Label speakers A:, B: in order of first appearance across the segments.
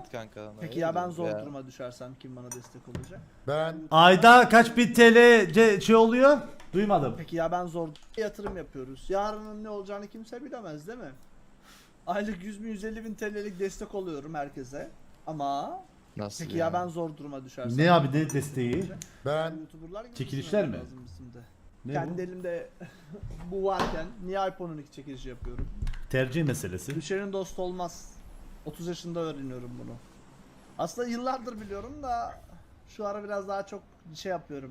A: at kanka.
B: Peki ya ben zor duruma düşersem kim bana destek olacak?
C: Ben
D: Ayda kaç bin TL şey oluyor? Duymadım.
B: Peki ya ben zor yatırım yapıyoruz. Yarının ne olacağını kimse bilemez değil mi? Aylık 100 bin 150 bin TL'lik destek oluyorum herkese. Ama
A: Nasıl
B: peki ya ben zor duruma düşersem?
D: Ne abi ne desteği?
C: ben
B: YouTuber'lar gibi
D: Çekilişler
B: düşünmem
D: mi?
B: lazım bizim de.
D: Ne
B: Kendi
D: bu?
B: elimde bu varken niye iPhone 12 çekilişi yapıyorum?
D: Tercih meselesi.
B: Düşenin dostu olmaz. 30 yaşında öğreniyorum bunu. Aslında yıllardır biliyorum da şu ara biraz daha çok şey yapıyorum.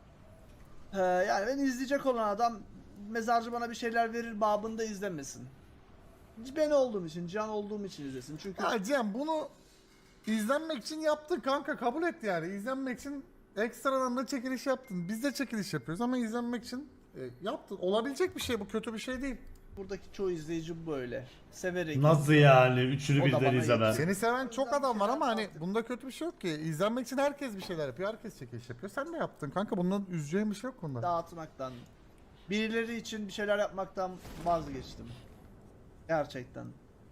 B: Yani beni izleyecek olan adam mezarcı bana bir şeyler verir babında izlemesin. Ben olduğum için, Can olduğum için izlesin. Çünkü
C: ya Cem bunu izlenmek için yaptın kanka, kabul et yani. İzlenmek için ekstradan da çekiliş yaptın. Biz de çekiliş yapıyoruz ama izlenmek için yaptın. Olabilecek bir şey bu, kötü bir şey değil.
B: buradaki çoğu izleyici böyle. Severek.
D: Nasıl yani? Üçünü
B: O da
D: birden
B: bana
D: izleme.
C: Seni seven çok adam var ama hani bunda kötü bir şey yok ki. İzlenmek için herkes bir şeyler yapıyor, herkes çekiliş yapıyor. Sen de yaptın kanka, bundan üzeceğin bir şey yok bunda.
B: Dağıtmaktan, birileri için bir şeyler yapmaktan vazgeçtim. Gerçekten.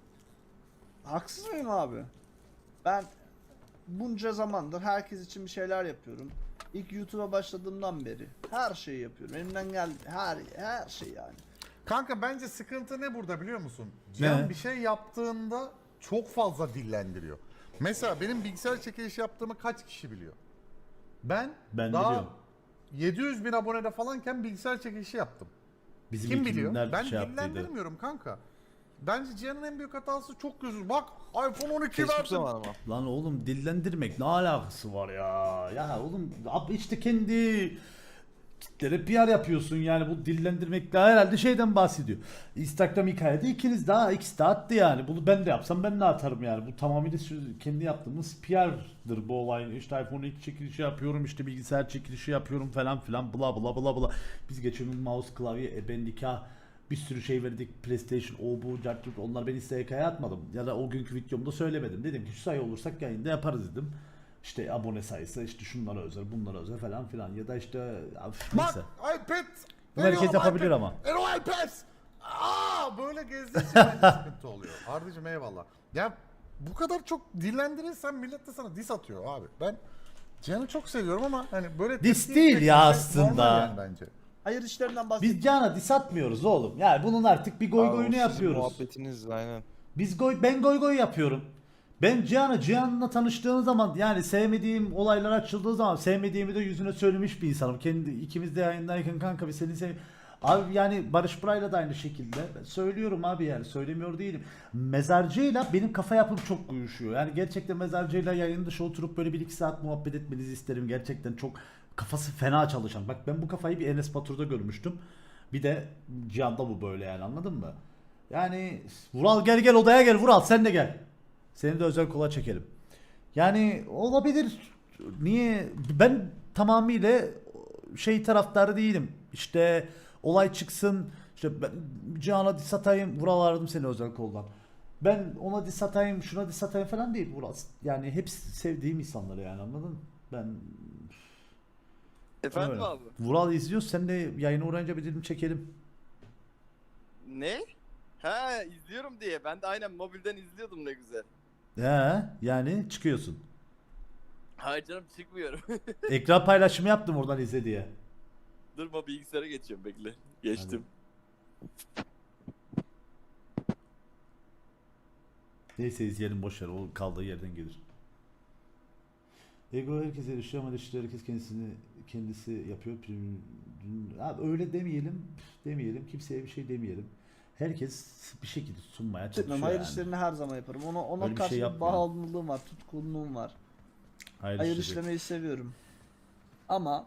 B: Haksız mıyım abi? Ben bunca zamandır herkes için bir şeyler yapıyorum. İlk YouTube'a başladığımdan beri her şeyi yapıyorum. Elimden geldi her şey yani.
C: Kanka bence sıkıntı ne burada biliyor musun?
D: Ne?
C: Cem bir şey yaptığında çok fazla dillendiriyor. Mesela benim bilgisayar çekilişi yaptığımı kaç kişi biliyor? Ben daha
D: biliyorum.
C: 700 bin abonede falanken bilgisayar çekilişi yaptım.
D: Bizim
C: Kim biliyor?
D: ekibimler
C: Ben
D: şey yaptıydı.
C: dillendirmiyorum kanka. Bence Cihan'ın en büyük hatası çok gözür. Bak iPhone 12
A: Facebook
C: verdim.
A: zamanı mı?
D: Lan oğlum dillendirmek ne alakası var ya? Ya oğlum işte kendi kitlere PR yapıyorsun yani bu dillendirmek daha herhalde şeyden bahsediyor. Instagram hikayede ikiniz daha ikisi de attı yani. Bunu ben de yapsam ben de atarım yani. Bu tamamıyla kendi yaptığımız PR'dır bu olay. İşte iPhone 2 çekilişi yapıyorum, işte bilgisayar çekilişi yapıyorum falan filan bla bla bla bla. Biz geçen gün mouse klavye ben nikah bir sürü şey verdik. PlayStation, o bu, cartçuk, onlar ben SK'ya atmadım. Ya da o günkü videomda söylemedim. Dedim ki şu sayı olursak yayında yaparız dedim. İşte abone sayısı, işte şunlara özel, bunlara özel falan filan. Ya da işte
C: Bak
D: neyse.
C: iPad.
D: Bunu herkes
C: veriyorum
D: yapabilir
C: iPad.
D: ama.
C: Ero iPad. Böyle gezdiği için bence sıkıntı oluyor. Ardacığım eyvallah. Ya bu kadar çok dillendirirsen millet de sana diss atıyor abi. Ben Cihan'ı çok seviyorum ama hani böyle
D: Diss
C: tepki
D: değil
C: etmek
D: ya
C: normal
D: aslında.
C: yani bence.
B: Hayır işlerinden bahsediyorum.
D: Biz Can'a diss atmıyoruz oğlum. Yani bunun artık bir goy
A: Abi, o
D: goyunu
A: sizin
D: yapıyoruz.
A: muhabbetiniz aynen.
D: Ben goy goy yapıyorum. Ben Cihan'la tanıştığım zaman yani sevmediğim olaylar açıldığı zaman sevmediğimi de yüzüne söylemiş bir insanım. İkimiz de yayındayken kanka bir seni sev. Abi yani Barış Buray'la da aynı şekilde ben söylüyorum abi yani söylemiyor değilim. Mezarcıyla benim kafa yapım çok uyuşuyor. Yani gerçekten mezarcıyla yayın dışı oturup böyle 1-2 saat muhabbet etmenizi isterim. Gerçekten çok kafası fena çalışan. Bak ben bu kafayı bir Enes Batur'da görmüştüm. Bir de Cihan'da bu böyle yani anladın mı? Yani Vural gel odaya gel Vural sen de gel. Seni de özel kola çekelim. Yani olabilir. Niye? Ben tamamıyla şey taraftarı değilim. İşte olay çıksın. İşte ben Cihan'a diss atayım. Vural aradım seni özel koldan. Ben ona diss atayım, şuna diss atayım falan değil Vural. Yani hepsi sevdiğim insanlar yani anladın mı? Ben
E: Efendim
D: öyle.
E: abi?
D: Vural izliyor. Sen de yayına uğrayınca bir dilim çekelim.
E: Ne? Ha izliyorum diye. Ben de aynen mobilden izliyordum ne güzel.
D: He, yani çıkıyorsun.
E: Hayır canım çıkmıyorum.
D: Ekran paylaşımı yaptım oradan izle diye.
E: Durma bilgisayara geçiyorum bekle. Geçtim.
D: Neyse izleyelim boşver o kaldığı yerden gelir. Ego herkese erişiyor ama erişiyor herkes kendisi yapıyor. Abi öyle demeyelim kimseye bir şey demeyelim. Herkes bir şekilde sunmaya çalışıyor
B: Hayır
D: yani.
B: işlerini her zaman yaparım. Ona
D: Öyle bir
B: karşı
D: şey
B: bir
D: yapmıyorum.
B: bağımlılığım var, tutkunluğum var. Hayır
D: işleri.
B: işlemeyi seviyorum. Ama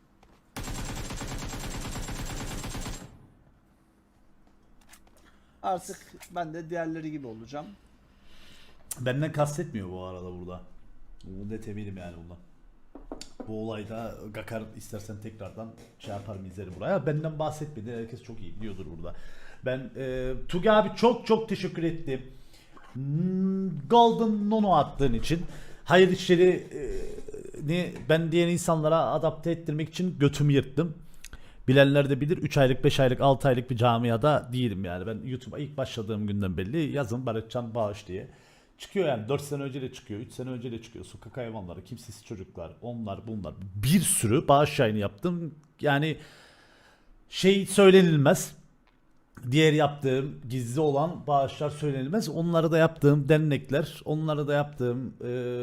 B: artık ben de diğerleri gibi olacağım.
D: Benden kastetmiyor bu arada burada. Bunu net eminim yani bundan. Bu olayda Gakar istersen tekrardan şey yaparım izlerim buraya. Benden bahsetmedi. Herkes çok iyi biliyordur burada. Ben Tugi abi çok teşekkür ettim. Golden Nono attığın için. Hayır işleri ben diğer insanlara adapte ettirmek için götümü yırttım. Bilenler de bilir 3 aylık 5 aylık 6 aylık bir camiada değilim yani. Ben YouTube'a ilk başladığım günden belli yazın Barışcan Bağış diye Çıkıyor yani 4 sene önce de çıkıyor, 3 sene önce de çıkıyor. Sokak hayvanları, kimsesiz çocuklar, onlar bunlar. Bir sürü bağış yayını yaptım. Yani şey söylenilmez. Diğer yaptığım gizli olan bağışlar söylenilmez. Onları da yaptığım dernekler, onları da yaptığım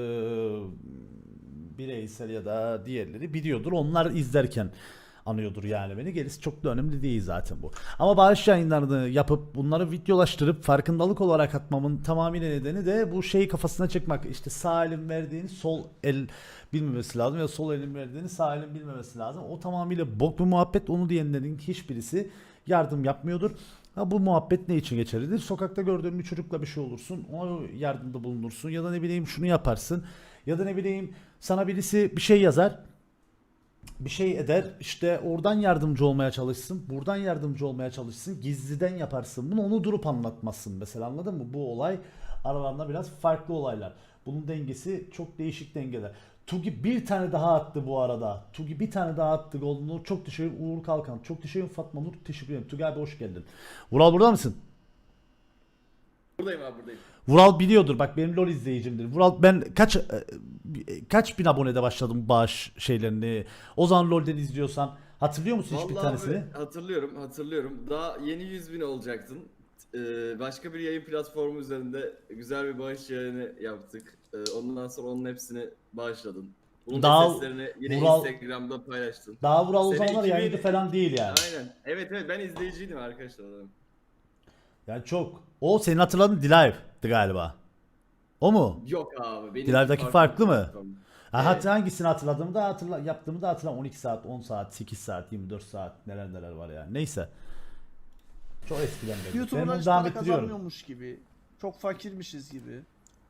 D: bireysel ya da diğerleri biliyordur. Onlar izlerken anıyordur yani beni. Gerisi çok da önemli değil zaten bu. Ama bağış yayınlarını yapıp bunları videolaştırıp farkındalık olarak atmamın tamamıyla nedeni de bu şeyi kafasına çekmek. İşte sağ elin verdiğini sol el bilmemesi lazım ya sol elin verdiğini sağ elin bilmemesi lazım. O tamamıyla bok bir muhabbet. Onu diyenlerin hiçbirisi yardım yapmıyordur. Ha, bu muhabbet ne için geçerlidir? Sokakta gördüğün bir çocukla bir şey olursun, ona yardımda bulunursun ya da ne bileyim şunu yaparsın ya da ne bileyim sana birisi bir şey yazar, bir şey eder, işte oradan yardımcı olmaya çalışsın, buradan yardımcı olmaya çalışsın, gizliden yaparsın. Bunu onu durup anlatmazsın mesela, anladın mı? Bu olay aralarında biraz farklı olaylar. Bunun dengesi çok değişik dengeler. Tugi bir tane daha attı bu arada. Tugi bir tane daha attı golünü. Çok teşekkür ederim Uğur Kalkan. Çok teşekkür ederim Fatma Nur. Teşekkür ederim. Tugi abi hoş geldin. Vural burada mısın?
A: Buradayım abi buradayım.
D: Vural biliyordur. Bak benim LoL izleyicimdir. Vural ben kaç bin abonede başladım bağış şeylerini. O zaman LoL'den izliyorsan hatırlıyor musun hiçbir
A: Vallahi
D: tanesini?
A: abi, hatırlıyorum. Daha yeni 100.000 olacaktın. Başka bir yayın platformu üzerinde güzel bir bağış yayını yaptık. Ondan sonra onun hepsini bağışladın. Bunun
D: Daha
A: da seslerini yine
D: Vural-
A: Instagram'da paylaştın.
D: Daha Vural o
A: Sene
D: zamanlar
A: 2000
D: yayıncı falan değil yani.
A: Aynen. Evet ben izleyiciydim arkadaşlar. Adamım.
D: Yani çok. O senin hatırladığın Dilive'dı galiba. O mu?
A: Yok abi. Benim
D: Dilardaki farklı mı?
A: platform.
D: Ha,
A: Evet.
D: hangisini hatırladığımı da yaptığımı da hatırlam. 12 saat, 10 saat, 8 saat, 24 saat neler var yani. Neyse. Çok eskiden beri. Ben
B: YouTuber'lar
D: bunu
B: hiç
D: devam
B: para
D: ettiriyorum.
B: kazanmıyormuş gibi. Çok fakirmişiz gibi.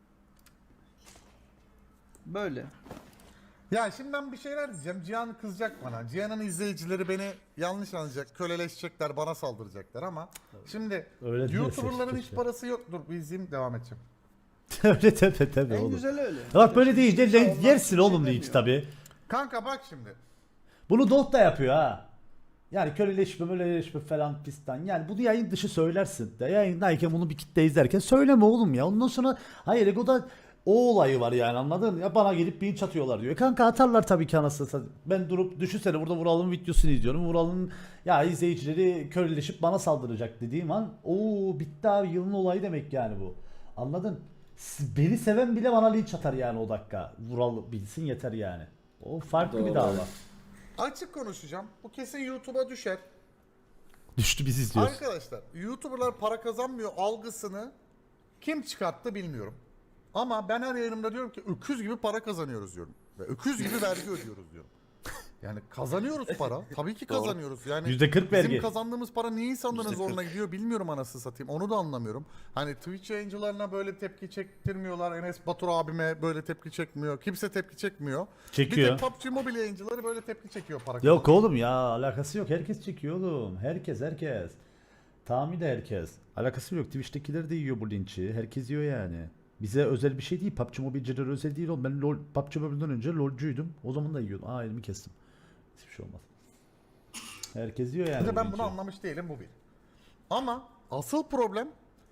B: Böyle.
C: Ya şimdi ben bir şeyler diyeceğim. Cihan kızacak bana. Cihan'ın izleyicileri beni yanlış anlayacak, köleleşecekler, bana saldıracaklar ama şimdi
D: Öyle değil
C: YouTuber'ların
D: keşke.
C: hiç parası yok. Dur bir izleyeyim, devam edeceğim.
D: Öyle tabii
B: En
D: oğlum.
B: güzel öyle.
D: Bak böyle deyince
B: Kimse ondan
D: yersin
B: bir şey
D: oğlum linç
B: demiyor.
D: tabi.
C: Kanka bak şimdi.
D: Bunu Dolt da yapıyor ha. Yani köleleşme falan pistan. Yani bunu yayın dışı söylersin. De yayındayken bunu bir kitle izlerken söyleme oğlum ya. Ondan sonra hayır Ego'da o olayı var yani, anladın? Ya bana gelip linç atıyorlar diyor. Kanka atarlar tabii ki anasını satayım. Ben durup düşünsene burada Vural'ın videosunu izliyorum. Vural'ın ya izleyicileri köleleşip bana saldıracak dediğim an ooo bitti abi, yılın olayı demek yani bu. Anladın? Beni seven bile bana linç atar yani o dakika. Vural bilsin yeter yani. O farklı bir
A: Doğru.
D: dava.
C: Açık konuşacağım. Bu kesin YouTube'a düşer.
D: Düştü biz izliyoruz.
C: Arkadaşlar YouTuber'lar para kazanmıyor algısını kim çıkarttı bilmiyorum. Ama ben her yayınımda diyorum ki öküz gibi para kazanıyoruz diyorum. Ve öküz gibi vergi ödüyoruz diyorum. Yani kazanıyoruz para. Tabii ki kazanıyoruz. Yani
D: %40 vergi.
C: bizim kazandığımız para niye insanların
A: %40.
C: zoruna gidiyor bilmiyorum, anasını satayım. Onu da anlamıyorum. Hani Twitch yayıncılarına böyle tepki çektirmiyorlar. Enes Batur abime böyle tepki çekmiyor. Kimse tepki çekmiyor.
D: Çekiyor.
C: Bir tek PUBG Mobile yayıncıları böyle tepki çekiyor para
D: Yok
C: kazanıyor.
D: oğlum ya, alakası yok. Herkes çekiyor oğlum. Herkes. Tahmin de herkes. Alakası yok. Twitch'tekiler de yiyor bu linçi. Herkes yiyor yani. Bize özel bir şey değil. PUBG Mobile'cilere özel değil oğlum. Ben PUBG Mobile'den önce LoL'cuydum. O zaman da yiyordum. Aa elimi kestim. Hiçbir şey olmaz. Herkes yiyor yani.
C: Bir de
D: bu
C: ben
D: linçi.
C: bunu anlamış değilim, bu bir. Ama asıl problem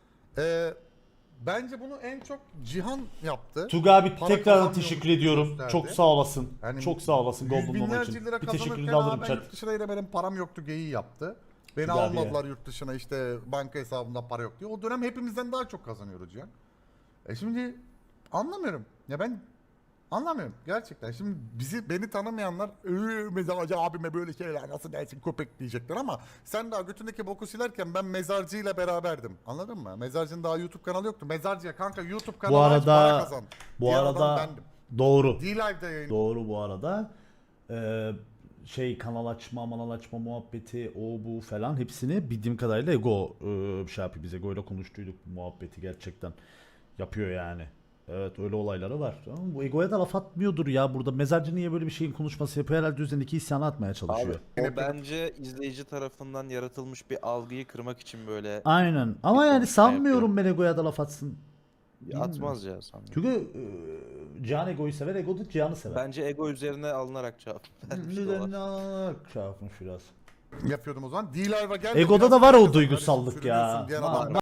C: bence bunu en çok Cihan yaptı.
D: Tuga abi
C: Para
D: tekrar
C: kazanmıyormuş
D: teşekkür ediyorum.
C: gösterdi.
D: Çok sağ olasın.
C: Yani
D: Çok sağ olasın
C: Yüz
D: Golden Mom
C: binlerce
D: için.
C: lira
D: Bir teşekkürünü
C: kazanırken
D: de alırım
C: ben
D: chat.
C: yurt dışına yine benim param yoktu geyiği yaptı. Beni
D: Tuga abi
C: almadılar yurt dışına, işte banka hesabımda para yok diye. O dönem hepimizden daha çok kazanıyoruz Cihan. Şimdi anlamıyorum. Ya ben anlamıyorum gerçekten. Şimdi beni tanımayanlar mezarcı abime böyle şeyler nasıl dersin köpek diyecekler ama sen daha götündeki boku silerken ben mezarcıyla beraberdim. Anladın mı? Mezarcının daha YouTube kanalı yoktu. Mezarcıya kanka YouTube kanalı
D: Bu
C: aç, para
D: arada
C: kazan.
D: bu
C: Diğer
D: arada
C: adam bendim.
D: doğru.
C: D-Live'da yayın.
D: Doğru bu arada. Kanal açma muhabbeti o bu falan hepsini bildiğim kadarıyla Ego şey yapıyor, biz Ego ile konuştuyduk bu muhabbeti, gerçekten yapıyor yani. Evet öyle olayları var. Ama bu Ego'ya da laf atmıyordur ya burada. Mezarcı niye böyle bir şeyin konuşması yapıyor? Herhalde üzerindeki isyanı atmaya çalışıyor.
E: O bence izleyici tarafından yaratılmış bir algıyı kırmak için böyle
D: Aynen. Ama
E: Bir
D: yani
E: konuşma
D: sanmıyorum ben Ego'ya da laf atsın.
E: atmaz ya sanırım.
D: Çünkü Cihan Ego'yu sever, Ego da Cihan'ı sever.
E: Bence ego üzerine alınarak cevap vermiş de
D: Üzerine
E: olabilir.
D: alarak şey yapmış biraz.
C: Yapıyordum o zaman. D-Live'a gel.
D: Ego'da
C: biraz
D: da var
C: para
D: o
C: kazan.
D: duygusallık
C: Kardeşim,
D: ya.
C: sürünüyorsun diyen
D: Var.
C: adam